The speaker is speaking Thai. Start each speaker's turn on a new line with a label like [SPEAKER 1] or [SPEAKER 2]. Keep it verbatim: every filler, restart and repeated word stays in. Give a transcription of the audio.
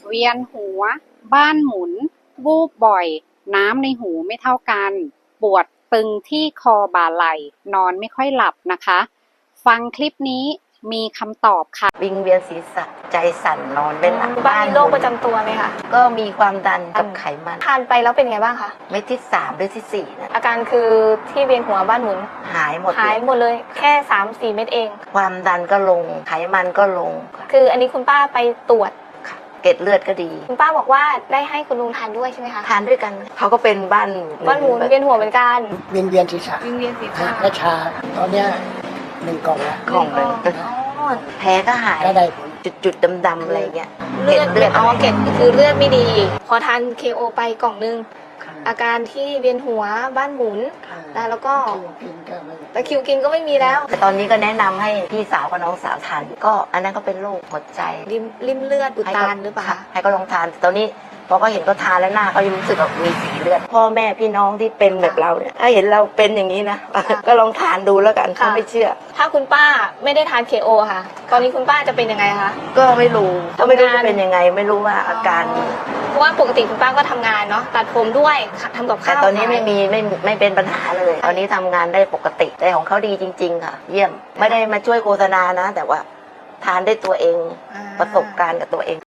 [SPEAKER 1] เวียนหัวบ้านหมุนวูบบ่อยน้ำในหูไม่เท่ากันปวดตึงที่คอบ่าไหล่นอนไม่ค่อยหลับนะคะฟังคลิปนี้มีคำตอบค่ะ
[SPEAKER 2] วิงเวียนศีรษะใจสั่นนอนไม่หลับ
[SPEAKER 3] บ้านมีโรคประจำตัวไหมคะ
[SPEAKER 2] ก็มีความดันกับไขมัน
[SPEAKER 3] ทานไปแล้วเป็นไงบ้างคะ
[SPEAKER 2] เม็ดที่สามหรือที่สี่นะ
[SPEAKER 3] อาการคือที่เวียนหัวบ้านหมุน
[SPEAKER 2] หายหมด
[SPEAKER 3] หายหมดเลยแค่สามสี่เม็ดเอง
[SPEAKER 2] ความดันก็ลงไขมันก็ลง
[SPEAKER 3] คืออันนี้คุณป้าไปตรวจ
[SPEAKER 2] เกล็ดเลือดก็ดี
[SPEAKER 3] คุณป้าบอกว่าได้ให้คุณลุงทานด้วยใช่ไหมคะ
[SPEAKER 2] ทานด้วยกันเขาก็เป็นบ้าน
[SPEAKER 3] บ้านหมุนเวียนหัวเหมือนกัน
[SPEAKER 4] วิงเวียนศีรษะ
[SPEAKER 3] วิงเวียนศีรษะ
[SPEAKER 4] และชาตอนเนี้ยหนึ่งกล่องละ
[SPEAKER 2] กล่องหนึ่งแผลก็หาย
[SPEAKER 4] ก็ได้ผล
[SPEAKER 2] จุดๆดำๆอะไรเงี้ย
[SPEAKER 3] เลือดเลือดอ๋อเกล็ดคือเลือดไม่ดีพอทานเคโอไปกล่องนึงอาการที่เวียนหัวบ้านหมุนแล้วก็แต่คิวกินก็ไม่มีแล้ว
[SPEAKER 2] แต่ตอนนี้ก็แนะนำให้พี่สาวกับน้องสาวทานก็อันนั้นก็เป็นโรคหัวใจ
[SPEAKER 3] ริมริมเลือดอุดตันหรือเปล่า
[SPEAKER 2] ให้ก็ลองทานตอนนี้พอเขาเห็นเขาทานแล้วหน้าเขายังรู้สึกแบบมีสีเลือดพ่อแม่พี่น้องที่เป็นแบบเราเนี่ยถ้าเห็นเราเป็นอย่างนี้นะก็ลองทานดูแล้วกันถ้าไม่เชื่อ
[SPEAKER 3] ถ้าคุณป้าไม่ได้ทานเคโอค่ะตอนนี้คุณป้าจะเป็นยังไงคะ
[SPEAKER 2] ก็ไม่รู้ก็ไม่รู้จะเป็นยังไงไม่รู้ว่าอาการ
[SPEAKER 3] เพราะว่าปกติคุณป้าก็ทำงานเนาะตัดผมด้วยทำกับข้าว
[SPEAKER 2] แต่ตอนนี้ไม่มีไม่ไม่เป็นปัญหาเลยตอนนี้ทำงานได้ปกติแต่ของเขาดีจริงๆค่ะเยี่ยมไม่ได้มาช่วยโฆษณานะแต่ว่าทานได้ตัวเองประสบการณ์กับตัวเอง